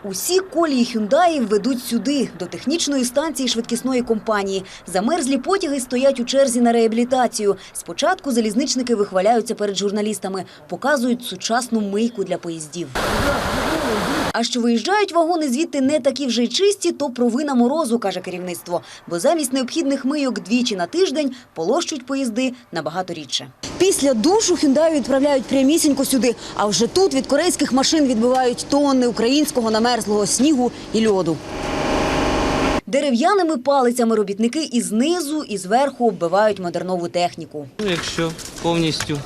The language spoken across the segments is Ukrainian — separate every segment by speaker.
Speaker 1: Усі колії «Хюндаїв» ведуть сюди, до технічної станції швидкісної компанії. Замерзлі потяги стоять у черзі на реабілітацію. Спочатку залізничники вихваляються перед журналістами, показують сучасну мийку для поїздів. А що виїжджають вагони звідти не такі вже й чисті, то провина морозу, каже керівництво. Бо замість необхідних мийок двічі на тиждень полощуть поїзди набагато рідше. Після душу «Хюндаї» відправляють прямісінько сюди. А вже тут від корейських машин відбивають тонни українського намерзлого снігу і льоду. Дерев'яними палицями робітники і знизу, і зверху оббивають модернову техніку.
Speaker 2: Якщо повністю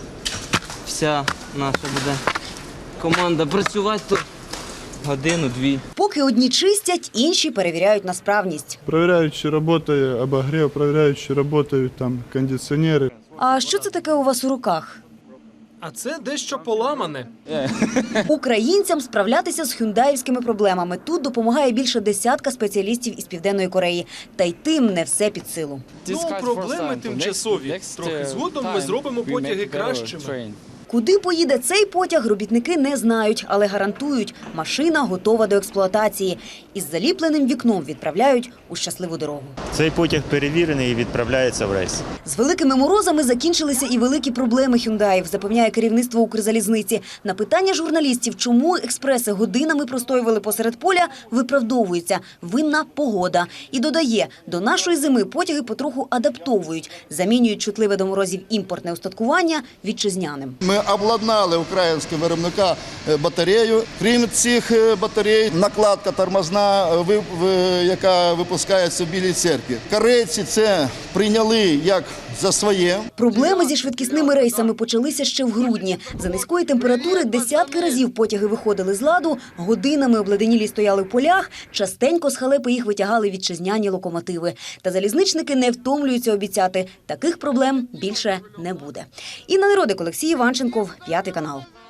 Speaker 2: вся наша буде команда працювати, то годину-дві.
Speaker 1: Поки одні чистять, інші перевіряють на справність.
Speaker 3: Перевіряють, чи працює обогрів, перевіряють, чи працюють там кондиціонери.
Speaker 1: А що це таке у вас у руках?
Speaker 4: А це дещо поламане.
Speaker 1: Українцям справлятися з хюндаївськими проблемами тут допомагає більше десятка спеціалістів із Південної Кореї. Та й тим не все під силу.
Speaker 4: Ну, проблеми тимчасові. Трохи згодом ми зробимо потяги кращими.
Speaker 1: Куди поїде цей потяг, робітники не знають, але гарантують – машина готова до експлуатації. Із заліпленим вікном відправляють у щасливу дорогу.
Speaker 5: Цей потяг перевірений і відправляється в рейс.
Speaker 1: З великими морозами закінчилися і великі проблеми «Хюндаїв», запевняє керівництво Укрзалізниці. На питання журналістів, чому експреси годинами простоювали посеред поля, виправдовується – винна погода. І додає, до нашої зими потяги потроху адаптовують, замінюють чутливе до морозів імпортне устаткування вітчизняним.
Speaker 6: Ми обладнали українського виробника батарею. Крім цих батарей, накладка тормозна, яка випускається в Білій церкві. Корейці це прийняли як за своє.
Speaker 1: Проблеми зі швидкісними рейсами почалися ще в грудні. За низької температури десятки разів потяги виходили з ладу, годинами обледенілі стояли в полях, частенько з халепи їх витягали вітчизняні локомотиви. Та залізничники не втомлюються обіцяти – таких проблем більше не буде. Інна Неродик, Олексій Іванченков, 5 канал.